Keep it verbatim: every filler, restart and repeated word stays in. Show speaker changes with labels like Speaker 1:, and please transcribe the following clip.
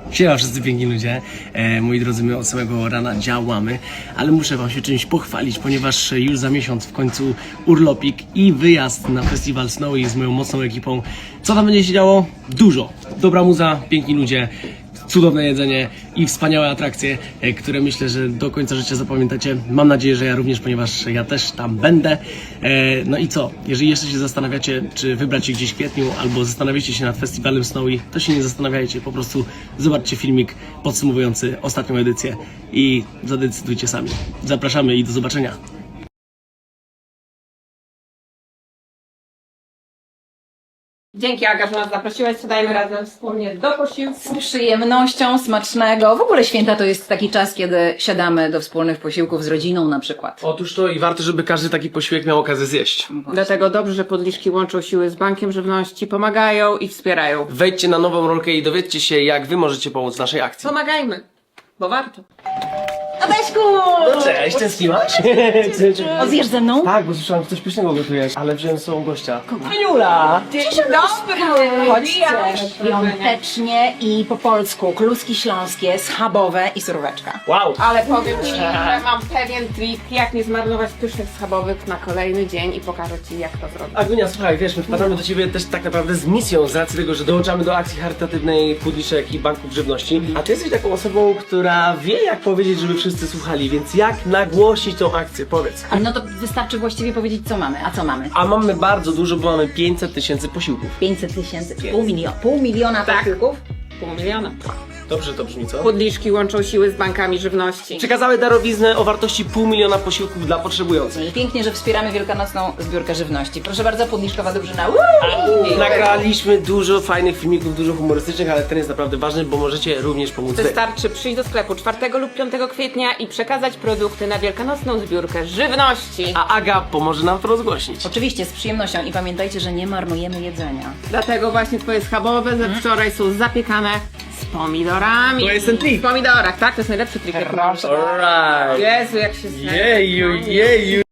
Speaker 1: Siema wszyscy piękni ludzie, e, moi drodzy, my od samego rana działamy, ale muszę wam się czymś pochwalić, ponieważ już za miesiąc w końcu urlopik i wyjazd na festiwal Snowy z moją mocną ekipą. Co tam będzie się działo? Dużo. Dobra muza, piękni ludzie, cudowne jedzenie i wspaniałe atrakcje, e, które myślę, że do końca życia zapamiętacie. Mam nadzieję, że ja również, ponieważ ja też tam będę. E, no i co? Jeżeli jeszcze się zastanawiacie, czy wybrać się gdzieś w kwietniu, albo zastanawiacie się nad festiwalem Snowy, to się nie zastanawiajcie, po prostu zobaczcie filmik podsumowujący ostatnią edycję i zadecydujcie sami. Zapraszamy i do zobaczenia.
Speaker 2: Dzięki, Aga, że nas zaprosiłaś. Siadajmy razem wspólnie do posiłku.
Speaker 3: Z przyjemnością, smacznego. W ogóle święta to jest taki czas, kiedy siadamy do wspólnych posiłków z rodziną na przykład.
Speaker 1: Otóż to i warto, żeby każdy taki posiłek miał okazję zjeść.
Speaker 2: Dlatego dobrze, że podliczki łączą siły z Bankiem Żywności, pomagają i wspierają.
Speaker 1: Wejdźcie na nową rolkę i dowiedzcie się, jak wy możecie pomóc naszej akcji.
Speaker 2: Pomagajmy, bo warto.
Speaker 3: Adeczku!
Speaker 1: No cześć, tęskniłaś?
Speaker 3: O, zjesz ze mną?
Speaker 1: Tak, bo słyszałem, że coś pysznego gotujesz, ale wziąłem z sobą gościa. Aniula!
Speaker 2: Dzień dobry!
Speaker 3: Chodźcie. Świątecznie i po polsku. Kluski śląskie, schabowe i suróweczka.
Speaker 1: Wow!
Speaker 2: Ale powiem Ci, że mam pewien trik, jak nie zmarnować pysznych schabowych na kolejny dzień i pokażę Ci, jak to zrobić.
Speaker 1: Agunia, słuchaj, wiesz, my wpadamy do ciebie też tak naprawdę z misją, z racji tego, że dołączamy do akcji charytatywnej Pudliszek i Banków Żywności. A ty jesteś taką osobą, która wie, jak powiedzieć, żeby wszyscy słuchali, więc jak nagłośnić tą akcję? Powiedz.
Speaker 3: A no to wystarczy właściwie powiedzieć, co mamy. A co mamy?
Speaker 1: A mamy bardzo dużo, bo mamy pięćset tysięcy posiłków.
Speaker 3: pięćset tysięcy, pół miliona, pół miliona
Speaker 2: Tak.
Speaker 3: posiłków?
Speaker 2: Pół miliona.
Speaker 1: Dobrze to brzmi, co?
Speaker 2: Podliczki łączą siły z Bankami Żywności.
Speaker 1: Przekazały darowiznę o wartości pół miliona posiłków dla potrzebujących.
Speaker 3: Pięknie, że wspieramy wielkanocną zbiórkę żywności. Proszę bardzo, Podliszkowa Dobrzyna.
Speaker 1: Nagraliśmy dużo fajnych filmików, dużo humorystycznych, ale ten jest naprawdę ważny, bo możecie również pomóc wy.
Speaker 2: Wystarczy przyjść do sklepu czwartego lub piątego kwietnia i przekazać produkty na wielkanocną zbiórkę żywności.
Speaker 1: A Aga pomoże nam to rozgłośnić.
Speaker 3: Oczywiście, z przyjemnością i pamiętajcie, że nie marnujemy jedzenia.
Speaker 2: Dlatego właśnie twoje schabowe ze wczoraj są zapiekane z pomidorami.
Speaker 1: To jest ten trik.
Speaker 2: W pomidorach, tak? To jest najlepszy trik. jaki mam.
Speaker 1: Alright.
Speaker 2: Jezu, jak się zna.
Speaker 1: Jeju, jeju.